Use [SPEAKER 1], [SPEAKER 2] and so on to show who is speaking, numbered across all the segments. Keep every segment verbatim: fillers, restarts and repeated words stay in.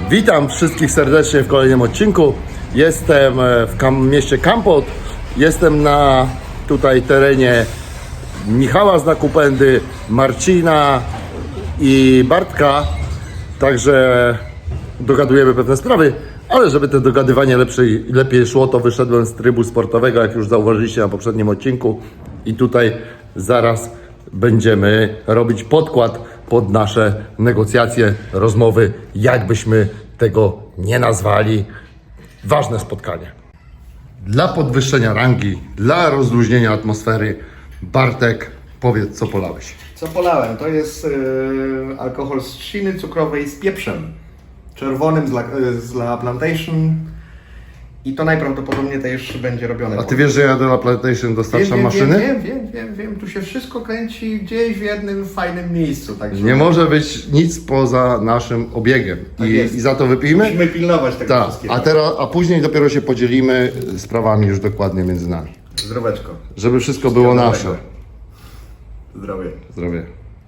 [SPEAKER 1] Witam wszystkich serdecznie w kolejnym odcinku. Jestem w kam- mieście Kampot. Jestem na tutaj terenie Michała z Nakupendy, Marcina i Bartka. Także dogadujemy pewne sprawy, ale żeby to dogadywanie lepszej, lepiej szło, to wyszedłem z trybu sportowego, jak już zauważyliście na poprzednim odcinku. I tutaj zaraz będziemy robić podkład pod nasze negocjacje, rozmowy, jakbyśmy tego nie nazwali. Ważne spotkanie. Dla podwyższenia rangi, dla rozluźnienia atmosfery, Bartek, powiedz, co polałeś.
[SPEAKER 2] Co polałem? To jest yy, alkohol z trzciny cukrowej z pieprzem czerwonym z La, z La Plantation i to najprawdopodobniej też będzie robione.
[SPEAKER 1] A ty wiesz, że ja do La Plantation dostarczam
[SPEAKER 2] wiem,
[SPEAKER 1] maszyny?
[SPEAKER 2] Wiem, wiem, wiem, wiem, tu się wszystko kręci gdzieś w jednym fajnym miejscu. Także
[SPEAKER 1] Nie może być nic poza naszym obiegiem.
[SPEAKER 2] Tak
[SPEAKER 1] I,
[SPEAKER 2] jest.
[SPEAKER 1] I za to wypijmy?
[SPEAKER 2] musimy pilnować tego
[SPEAKER 1] Tak,
[SPEAKER 2] wszystkiego.
[SPEAKER 1] a, teraz, a później dopiero się podzielimy sprawami już dokładnie między nami.
[SPEAKER 2] Zdroweczko.
[SPEAKER 1] Żeby wszystko było nasze.
[SPEAKER 2] Zdrowie.
[SPEAKER 1] Zdrowie.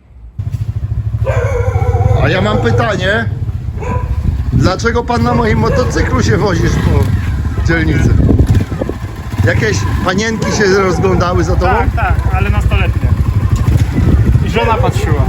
[SPEAKER 1] A ja mam pytanie. Dlaczego pan na moim motocyklu się wozisz po dzielnicy? Jakieś panienki się rozglądały za tobą?
[SPEAKER 3] Tak, tak, ale nastoletnie. I żona patrzyła.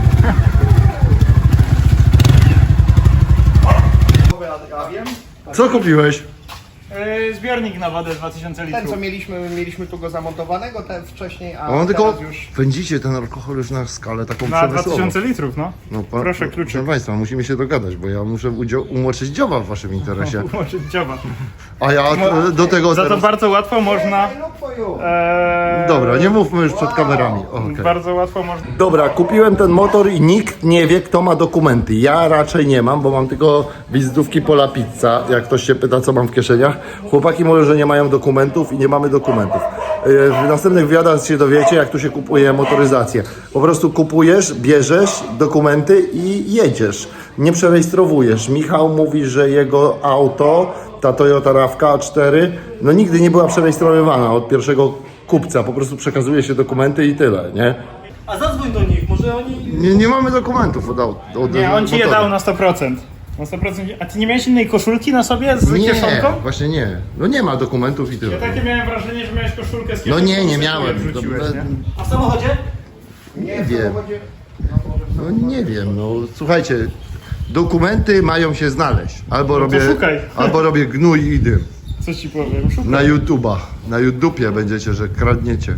[SPEAKER 2] Ja wiem.
[SPEAKER 1] Co kupiłeś?
[SPEAKER 3] Yy, zbiornik na wodę dwa tysiące
[SPEAKER 2] Ten co
[SPEAKER 3] litrów.
[SPEAKER 2] mieliśmy, mieliśmy tu go zamontowanego ten wcześniej, a
[SPEAKER 1] A on tylko
[SPEAKER 2] teraz już...
[SPEAKER 1] pędzicie ten alkohol już na skalę taką
[SPEAKER 3] Na dwa
[SPEAKER 1] przemysłową.
[SPEAKER 3] tysiące litrów, no.
[SPEAKER 1] No, pa,
[SPEAKER 3] Proszę,
[SPEAKER 1] no,
[SPEAKER 3] kluczyk.
[SPEAKER 1] Proszę Państwa, musimy się dogadać, bo ja muszę udzio- umoczyć dzioba w Waszym interesie.
[SPEAKER 3] Może dzioba.
[SPEAKER 1] A ja e, do tego
[SPEAKER 3] Za to
[SPEAKER 1] teraz...
[SPEAKER 3] bardzo łatwo można... Ee,
[SPEAKER 1] Dobra, nie mówmy już przed kamerami. Okay.
[SPEAKER 3] Bardzo łatwo można...
[SPEAKER 1] Dobra, kupiłem ten motor i nikt nie wie, kto ma dokumenty. Ja raczej nie mam, bo mam tylko wizytówki Pola Pizza. Jak ktoś się pyta, co mam w kieszeniach. Chłopaki mówią, że nie mają dokumentów i nie mamy dokumentów. Yy, W następnych wywiadach się dowiecie, jak tu się kupuje motoryzację. Po prostu kupujesz, bierzesz dokumenty i jedziesz. Nie przerejestrowujesz. Michał mówi, że jego auto, ta Toyota RAV4, A cztery, no nigdy nie była przerejestrowywana od pierwszego kupca. Po prostu przekazuje się dokumenty i tyle, nie?
[SPEAKER 4] A zadzwoń do nich, może oni...
[SPEAKER 1] Nie, nie mamy dokumentów od auta. Od,
[SPEAKER 3] Nie, on ci je
[SPEAKER 1] motoru.
[SPEAKER 3] dał na sto procent. Na sto procent. A ty nie miałeś innej koszulki na sobie z
[SPEAKER 1] Nie,
[SPEAKER 3] kieszonką?
[SPEAKER 1] właśnie nie. No nie ma dokumentów i tyle.
[SPEAKER 3] Ja takie miałem wrażenie, że miałeś koszulkę z
[SPEAKER 1] No
[SPEAKER 3] kieszonką.
[SPEAKER 1] nie, nie
[SPEAKER 3] sobie
[SPEAKER 1] miałem.
[SPEAKER 3] wrzuciłeś,
[SPEAKER 1] To-
[SPEAKER 3] nie?
[SPEAKER 4] A w samochodzie?
[SPEAKER 1] Nie wiem. No nie wiem, no słuchajcie, dokumenty mają się znaleźć. Albo robię,
[SPEAKER 3] szukaj.
[SPEAKER 1] albo robię gnój i dym.
[SPEAKER 3] Co ci powiem? Szukaj.
[SPEAKER 1] Na YouTubach, na YouTubie będziecie, że kradniecie.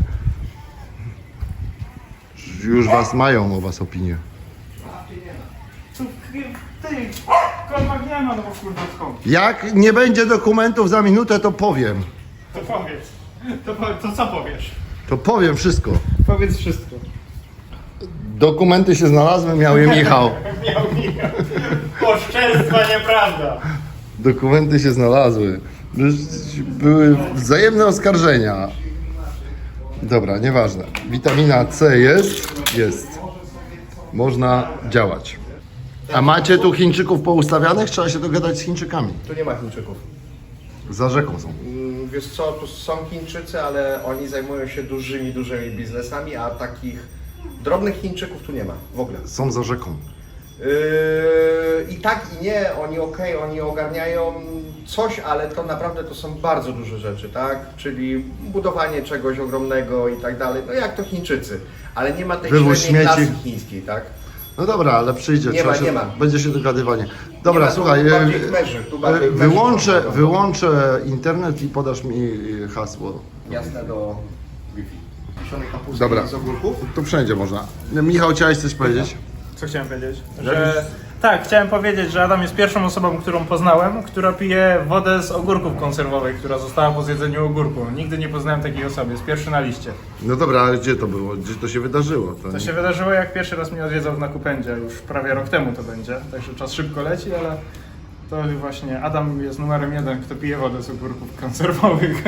[SPEAKER 1] Już was mają o was opinię.
[SPEAKER 3] Tu, Ty, kolmak nie ma, no bo kurde skąd?
[SPEAKER 1] Jak nie będzie dokumentów za minutę, to powiem.
[SPEAKER 3] To powiedz. To, po, to co powiesz?
[SPEAKER 1] To powiem wszystko.
[SPEAKER 3] Powiedz wszystko.
[SPEAKER 1] Dokumenty się znalazły, miał je Michał.
[SPEAKER 3] Miał Michał. Oszczerstwa nieprawda.
[SPEAKER 1] Dokumenty się znalazły. Były wzajemne oskarżenia. Dobra, nieważne. Witamina C jest? Jest. Można działać. A macie tu Chińczyków poustawianych? Trzeba się dogadać z Chińczykami.
[SPEAKER 2] Tu nie ma Chińczyków.
[SPEAKER 1] Za rzeką są.
[SPEAKER 2] Mm, Wiesz co, tu są Chińczycy, ale oni zajmują się dużymi, dużymi biznesami, a takich drobnych Chińczyków tu nie ma w ogóle.
[SPEAKER 1] Są za rzeką.
[SPEAKER 2] Yy, I tak i nie, oni okej, oni ogarniają coś, ale to naprawdę to są bardzo duże rzeczy, tak? Czyli budowanie czegoś ogromnego i tak dalej, no jak to Chińczycy, ale nie ma tej
[SPEAKER 1] Wywóz
[SPEAKER 2] średniej
[SPEAKER 1] śmieci.
[SPEAKER 2] klasy chińskiej, tak?
[SPEAKER 1] No dobra, ale przyjdzie.
[SPEAKER 2] Nie
[SPEAKER 1] trzeba
[SPEAKER 2] ma,
[SPEAKER 1] się,
[SPEAKER 2] nie ma.
[SPEAKER 1] Będzie się dogadywanie. Dobra,
[SPEAKER 2] Nie ma, tu
[SPEAKER 1] słuchaj.
[SPEAKER 2] bardziej
[SPEAKER 1] e,
[SPEAKER 2] w merzy, tu
[SPEAKER 1] e,
[SPEAKER 2] bardziej w merzy
[SPEAKER 1] wyłączę,
[SPEAKER 2] to- to-
[SPEAKER 1] wyłączę internet i podasz mi hasło.
[SPEAKER 2] Jasne do Wi-Fi. Kiszonej kapusty
[SPEAKER 1] Dobra.
[SPEAKER 2] z ogórków.
[SPEAKER 1] Tu wszędzie można. Michał, chciałeś coś powiedzieć?
[SPEAKER 3] Co chciałem powiedzieć? Że... Tak, chciałem powiedzieć, że Adam jest pierwszą osobą, którą poznałem, która pije wodę z ogórków konserwowej, która została po zjedzeniu ogórku. Nigdy nie poznałem takiej osoby, jest pierwszy na liście.
[SPEAKER 1] No dobra, ale gdzie to było? Gdzie to się wydarzyło? To
[SPEAKER 3] To się wydarzyło, jak pierwszy raz mnie odwiedzał w Nakupendzie, już prawie rok temu to będzie, także czas szybko leci, ale to właśnie Adam jest numerem jeden, kto pije wodę z ogórków konserwowych.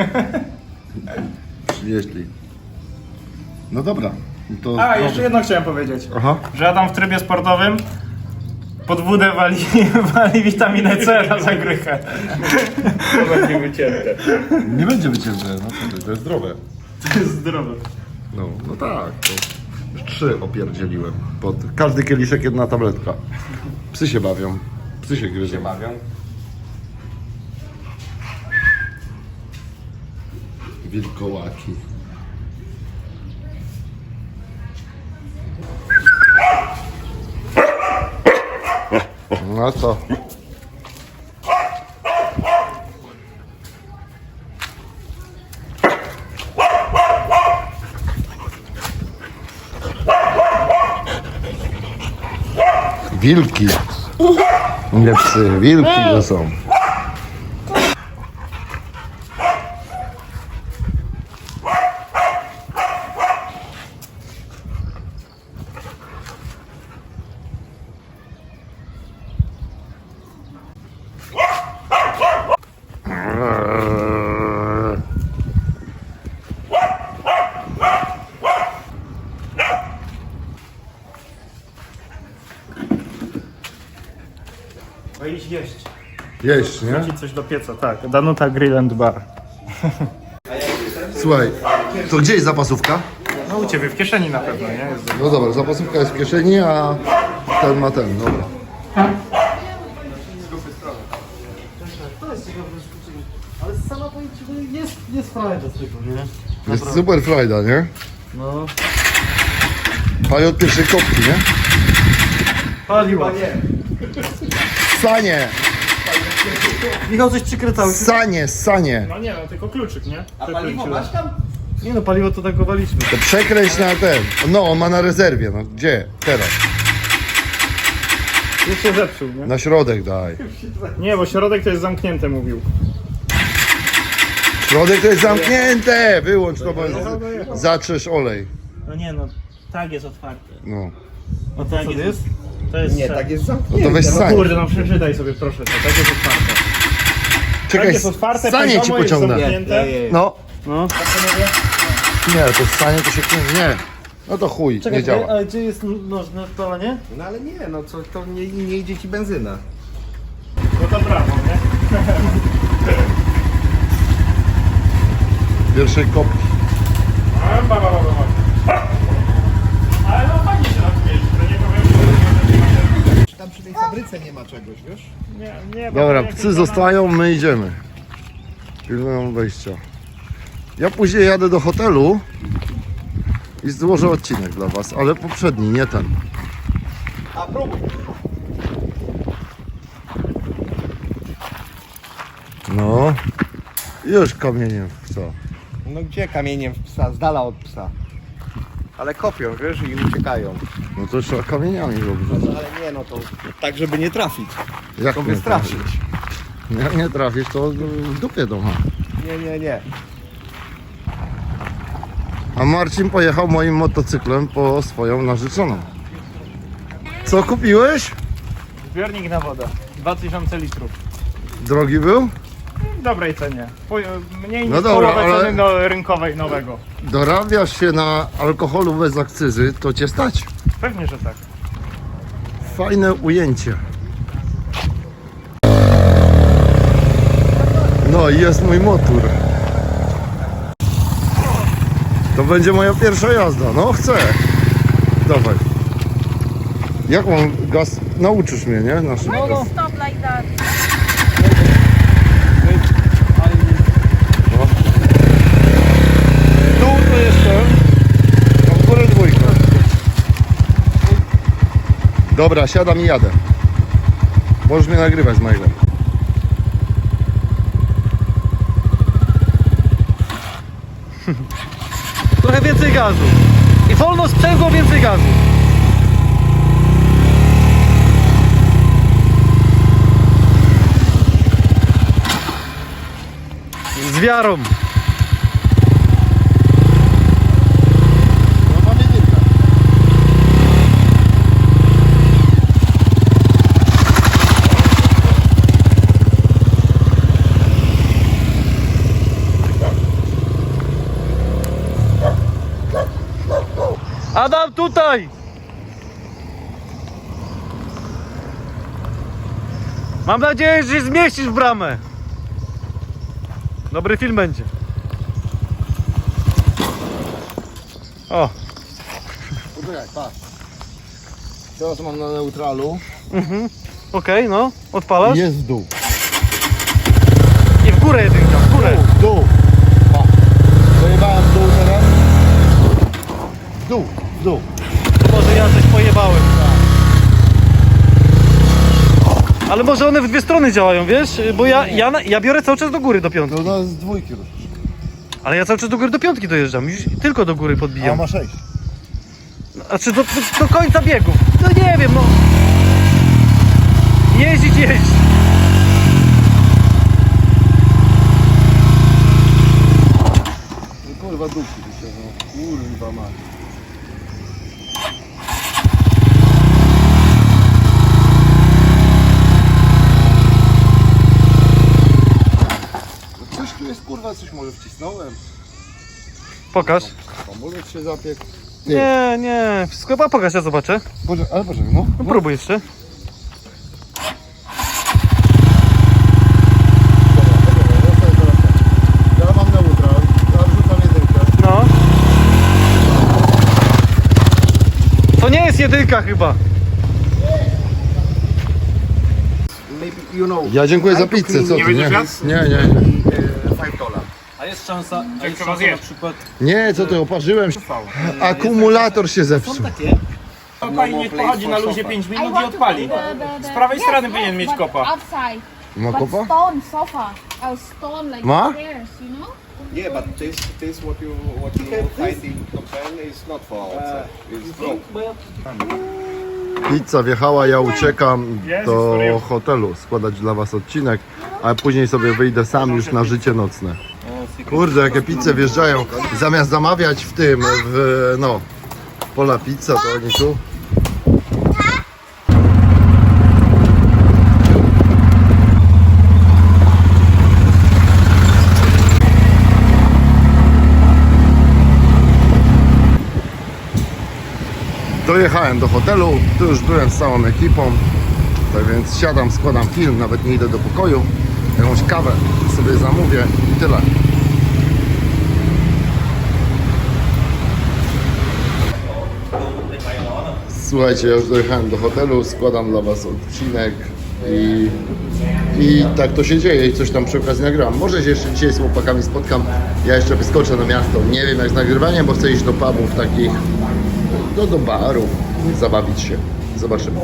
[SPEAKER 1] Jeśli. No dobra. To
[SPEAKER 3] A, jeszcze jedno chciałem powiedzieć,
[SPEAKER 1] Aha.
[SPEAKER 3] że Adam w trybie sportowym pod wódę wali, wali witaminę C na zagrychę.
[SPEAKER 2] To będzie wycięte.
[SPEAKER 1] Nie będzie wycięte, no to, to jest zdrowe.
[SPEAKER 3] To jest zdrowe.
[SPEAKER 1] No, no tak. To już trzy opierdzieliłem. Pod każdy kieliszek jedna tabletka. Psy się bawią. Psy się gryzą.
[SPEAKER 2] bawią.
[SPEAKER 1] Wilkołaki. No to. Wilki. Nie psy, wilki to są.
[SPEAKER 3] No idź jeść.
[SPEAKER 1] Jeść, nie?
[SPEAKER 3] Wrzucić coś do pieca, tak. Danuta Grill and Bar.
[SPEAKER 1] Słuchaj, to gdzie jest zapasówka?
[SPEAKER 3] No u ciebie w kieszeni na pewno, nie? Jest
[SPEAKER 1] No dobra, zapasówka jest w kieszeni, a ten ma ten, dobra.
[SPEAKER 4] To jest ciekawe zaskoczenie. Ale sama powiem ci, że jest, jest frajda z tego, nie?
[SPEAKER 1] Jest super frajda, nie?
[SPEAKER 4] No.
[SPEAKER 1] Pali od pierwszej kopki, nie?
[SPEAKER 4] Paliła.
[SPEAKER 1] Sanie,
[SPEAKER 4] Michał, coś przykręcałeś?
[SPEAKER 1] sanie, sanie.
[SPEAKER 3] No nie, no tylko kluczyk, nie?
[SPEAKER 2] A paliwo masz tam?
[SPEAKER 4] Nie no, paliwo to tankowaliśmy.
[SPEAKER 1] To przekręć na ten. No, on ma na rezerwie, no gdzie? Teraz.
[SPEAKER 3] Już się zepsuł, nie?
[SPEAKER 1] Na środek daj.
[SPEAKER 3] Nie, bo środek to jest zamknięte, mówił.
[SPEAKER 1] Środek to jest zamknięte! Wyłącz to, bo zatrzesz olej.
[SPEAKER 5] No nie no, tak jest otwarte.
[SPEAKER 1] No.
[SPEAKER 5] No tak
[SPEAKER 4] Co
[SPEAKER 5] jest.
[SPEAKER 4] jest?
[SPEAKER 5] To jest
[SPEAKER 2] Nie,
[SPEAKER 5] tak.
[SPEAKER 2] tak jest
[SPEAKER 1] No
[SPEAKER 2] zamknięte.
[SPEAKER 1] to weź
[SPEAKER 3] No
[SPEAKER 1] sanie.
[SPEAKER 3] kurde, no przeczytaj sobie proszę, to tak jest otwarte. Tak
[SPEAKER 1] Czekaj,
[SPEAKER 3] jest otwarte,
[SPEAKER 1] sanie ci
[SPEAKER 3] poziomo jest
[SPEAKER 1] pociągnę.
[SPEAKER 3] zamknięte.
[SPEAKER 1] No.
[SPEAKER 5] No.
[SPEAKER 1] Nie, to sanie to się nie. No to chuj,
[SPEAKER 4] Czekaj,
[SPEAKER 1] nie działa.
[SPEAKER 4] ale gdzie jest noż na spalanie?
[SPEAKER 2] No ale nie, no co, to nie, nie idzie ci benzyna.
[SPEAKER 3] No to brawo, nie?
[SPEAKER 1] Pierwszej kopki.
[SPEAKER 3] A, ba, ba, ba, ba, ba. Ale no fajnie się tam śmieje, to nie powiem, że
[SPEAKER 2] Czy tam przy tej fabryce nie ma czegoś, wiesz?
[SPEAKER 3] nie, nie, bo
[SPEAKER 1] Dobra,
[SPEAKER 3] jakieś
[SPEAKER 1] psy
[SPEAKER 3] tam-
[SPEAKER 1] zostają, my idziemy. Pilnują wejścia. Ja później jadę do hotelu i złożę odcinek dla was, ale poprzedni, nie ten.
[SPEAKER 2] A próbuj.
[SPEAKER 1] No. Już kamieniem w co?
[SPEAKER 2] No gdzie kamieniem w psa, z dala od psa. Ale kopią, wiesz, i uciekają.
[SPEAKER 1] No to trzeba kamieniami robić.
[SPEAKER 2] No ale nie, no to tak, żeby nie trafić.
[SPEAKER 1] Jak
[SPEAKER 2] To
[SPEAKER 1] nie
[SPEAKER 2] wystraszyć.
[SPEAKER 1] trafisz? Jak nie trafisz, to w dupie to ma.
[SPEAKER 2] Nie, nie, nie.
[SPEAKER 1] A Marcin pojechał moim motocyklem po swoją narzeczoną. Co kupiłeś?
[SPEAKER 3] Zbiornik na wodę, dwa tysiące litrów.
[SPEAKER 1] Drogi był?
[SPEAKER 3] W dobrej cenie. Po- Mniej
[SPEAKER 1] No
[SPEAKER 3] niż
[SPEAKER 1] dobra,
[SPEAKER 3] połowę
[SPEAKER 1] ale-
[SPEAKER 3] ceny do rynkowej nowego.
[SPEAKER 1] Dorabiasz się na alkoholu bez akcyzy, to cię stać.
[SPEAKER 3] Pewnie, że tak.
[SPEAKER 1] Fajne ujęcie. No i jest mój motor. To będzie moja pierwsza jazda. No chcę. Dawaj. Jak mam gaz? Nauczysz mnie, nie? Na szybko.
[SPEAKER 6] Why you stop like that?
[SPEAKER 1] Tu to jestem. Tam w górę dwójkę. Dobra, siadam i jadę. Możesz mnie nagrywać z mailem.
[SPEAKER 4] Trochę więcej gazu. I wolno sprzęgło, więcej gazu. Z wiarą. Adam, tutaj! Mam nadzieję, że się zmieścisz w bramę. Dobry film będzie. O,
[SPEAKER 1] Poczekaj, patrz. Teraz mam na neutralu.
[SPEAKER 4] Okej, no, odpalasz.
[SPEAKER 1] Jest w dół.
[SPEAKER 4] I w górę jedynka, w górę.
[SPEAKER 1] W dół. O. Pojebałem w dół teraz. W dół, w dół.
[SPEAKER 4] To może ja coś pojebałem. Ale może one w dwie strony działają, wiesz? Bo ja, ja, na- ja biorę cały czas do góry do piątki.
[SPEAKER 1] To nas z dwójki ruszysz.
[SPEAKER 4] Ale ja cały czas do góry do piątki dojeżdżam. Już tylko do góry
[SPEAKER 1] A
[SPEAKER 4] podbijam.
[SPEAKER 1] ma sześć.
[SPEAKER 4] Znaczy do, do, do końca biegów. No nie wiem, no. Jeździć, jeździć.
[SPEAKER 1] No kurwa dupki się, no. Kurwa ma. No coś tu jest kurwa, coś może wcisnąłem.
[SPEAKER 4] Pokaż.
[SPEAKER 1] Hamulec się zapiekł.
[SPEAKER 4] Nie, nie. Wszystko, a pokaż, ja zobaczę.
[SPEAKER 1] Boże, ale Boże, no.
[SPEAKER 4] No próbuj jeszcze.
[SPEAKER 1] Ja mam neutral, ja wrzucam jedynkę.
[SPEAKER 4] No. To nie jest jedynka chyba.
[SPEAKER 2] Maybe, you know,
[SPEAKER 1] Ja dziękuję za
[SPEAKER 2] I to
[SPEAKER 1] pizzę,
[SPEAKER 2] clean
[SPEAKER 1] co ty,
[SPEAKER 3] Nie
[SPEAKER 1] nie?
[SPEAKER 3] będziesz jadł?
[SPEAKER 1] Nie, nie, nie.
[SPEAKER 2] uh, five dollar.
[SPEAKER 5] A jest szansa, a
[SPEAKER 3] Jak
[SPEAKER 5] jest
[SPEAKER 3] to
[SPEAKER 5] szansa
[SPEAKER 3] zjeść?
[SPEAKER 5] na przykład...
[SPEAKER 1] Nie, co ty, oparzyłem się. Akumulator się
[SPEAKER 5] Są
[SPEAKER 1] zepsuł.
[SPEAKER 5] takie.
[SPEAKER 3] Kopa i niech pochodzi na luzie pięć minut i odpali. Z prawej strony powinien mieć kopa.
[SPEAKER 6] Outside.
[SPEAKER 1] Ma
[SPEAKER 6] But
[SPEAKER 1] kopa?
[SPEAKER 6] stone sofa. A stone like
[SPEAKER 1] Ma?
[SPEAKER 6] chairs, you know?
[SPEAKER 7] Yeah, but this this what you what you find in Japan is not for outside. It's broke.
[SPEAKER 1] Pizza wjechała, ja uciekam
[SPEAKER 3] Jezus,
[SPEAKER 1] do
[SPEAKER 3] Maria.
[SPEAKER 1] hotelu składać dla was odcinek, a później sobie wyjdę sam już na życie nocne. Kurde, jakie pizze wjeżdżają. Zamiast zamawiać w tym, w no, Pola Pizza, to oni tu. Dojechałem do hotelu, tu już byłem z całą ekipą, tak więc siadam, składam film, nawet nie idę do pokoju, jakąś kawę sobie zamówię i tyle. Słuchajcie, ja już dojechałem do hotelu, składam dla was odcinek i, i tak to się dzieje i coś tam przy okazji nagrywam. Może się jeszcze dzisiaj z chłopakami spotkam, ja jeszcze wyskoczę na miasto, nie wiem jak z nagrywaniem, bo chcę iść do pubów takich, no do barów, zabawić się. Zobaczymy.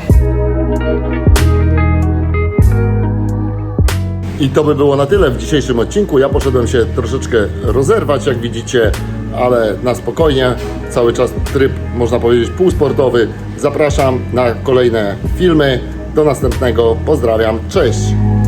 [SPEAKER 1] I to by było na tyle w dzisiejszym odcinku. Ja poszedłem się troszeczkę rozerwać, jak widzicie, ale na spokojnie. Cały czas tryb, można powiedzieć, półsportowy. Zapraszam na kolejne filmy. Do następnego. Pozdrawiam. Cześć!